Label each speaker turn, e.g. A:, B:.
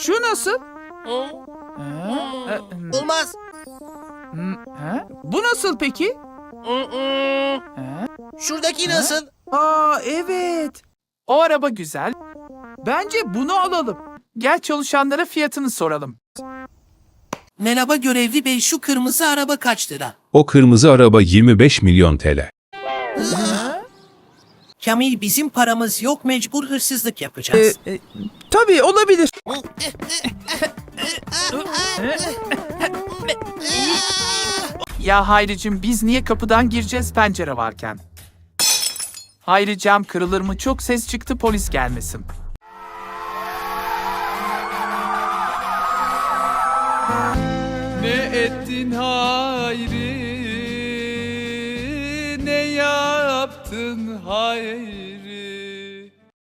A: Şu nasıl?
B: Olmaz.
A: Bu nasıl peki?
B: Şuradaki nasıl?
A: Aa evet. O araba güzel. Bence bunu alalım. Gel çalışanlara fiyatını soralım.
B: Merhaba görevli bey, şu kırmızı araba kaç lira?
C: O kırmızı araba 25 milyon TL.
B: Kamil, bizim paramız yok, mecbur hırsızlık yapacağız.
A: Tabii olabilir. Ya Hayricim, biz niye kapıdan gireceğiz pencere varken? Hayri, cam kırılır mı? Çok ses çıktı, polis gelmesin. Ne ettin Hayri? Ne yaptın Hayri?